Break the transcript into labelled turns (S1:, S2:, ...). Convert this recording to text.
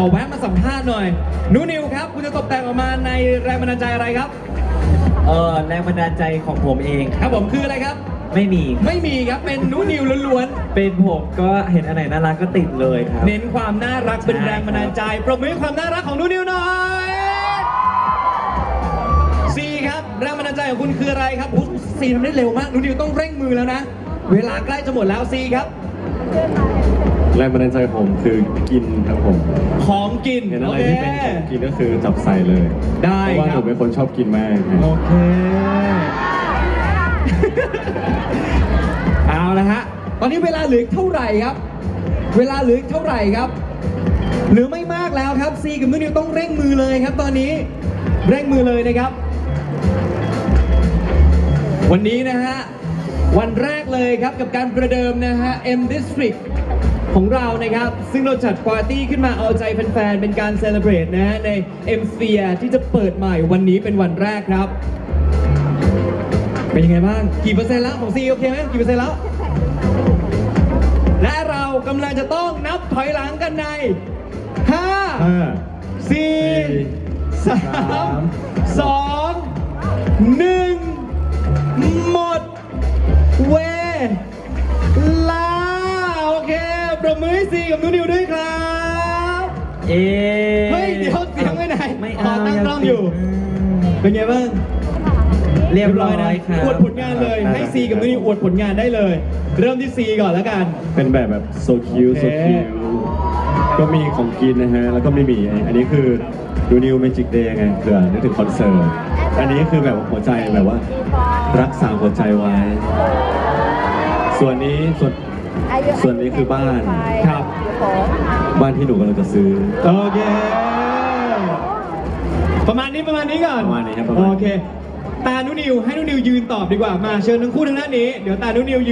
S1: อแวะมาสัมภาษณ์หน่อยนูนิวครับคุณจะตกแต่งออกมาในแรงบันดาลใจอะไรครับ
S2: แรงบันดาลใจของผมเอง
S1: ครับผมคืออะไรครับ
S2: ไม่มี
S1: ไม่มีครับเป็นนูนิวล้วน
S2: เป็นผมก็เห็นอันไหนน่ารักก็ติดเลยครับ
S1: ๆเน้นความน่ารักเป็น
S2: ใช่
S1: แรงบันดาลใจปรบมือให้ความน่ารักของนูนิวหน่อยซีครับแรงบันดาลใจของคุณคืออะไรครับอุ๊ยซีทำได้เร็วมากนูนิวต้องเร่งมือแล้วนะเวลาใกล้จะหมดแล้วซีครับ
S3: แรงบันดาลใจผมคือกินครับผม
S1: ของกิน
S3: เห็นอะไร
S1: โอ
S3: ที่
S1: เค
S3: เป็นของกินก็คือจับใส่เลย
S1: ได้
S3: เพราะว่า
S1: ค
S3: ผ
S1: รับ
S3: มเป็นคนชอบกินมาก
S1: โอเค เอาละฮะ ตอนนี้เวลาเหลือเท่าไหร่ครับ เวลาเหลือเท่าไหร่ครับ เหลือไม่มากแล้วครับซีกับนูนิวต้องเร่งมือเลยครับ ตอนนี้เร่งมือเลยนะครับ วันนี้นะฮะ วันแรกเลยครับกับการประเดิมนะฮะ M District ของเรานะครับ ซึ่งเราจัดปาร์ตี้ขึ้นมาเอาใจแฟนๆ เป็นการเซเลบรตนะฮะใน M Sphere ที่จะเปิดใหม่วันนี้เป็นวันแรกครับ เป็นยังไงบ้าง กี่เปอร์เซ็นต์แล้วของซีโอเคไหมกี่เปอร์เซ็นต์แล้ว และเรากำลังจะต้องนับถอยหลังกันใน 5 4 3 2 1 หมดเวลาโอเคปรบมือให้ซีกับนูนิวด้วยครับ เฮ้ยเดี๋ยวเสียงไว้ไหน
S2: ไม่
S1: อ๋อ
S2: เอา
S1: ตั้งกล้องอยู่ เป็นไงบ้าง
S2: เรียบร้อย
S1: นะ
S2: ครับ
S1: อวดผลงานเลย ให้ซีกับนูนิวอวดผลงานได้เลย เริ่มที่ซีก่อนแล้วกัน
S3: เป็นแบบโซคิว
S1: โอเค
S3: โซคิวก็มีของกินนะฮะ แล้วก็ไม่มีอันนี้คือดูนิวเมจิกเดย์ไงเผื่อนึกถึงคอนเสิร์ตอันนี้คือแบบหัวใจแบบว่า รักษาหัวใจไว้ ส่วนนี้คือบ้าน
S1: ครับ
S3: บ้านที่หนูกำลังจะซื้อ
S1: โอเค ประมาณนี้ก่อน
S3: ประมาณนี้ครับประมาณนี้
S1: โอเค ตานุนิวให้นุนิวยืนตอบดีกว่า มาเชิญทั้งคู่ทางด้านนี้ เดี๋ยวตานุนิวยืน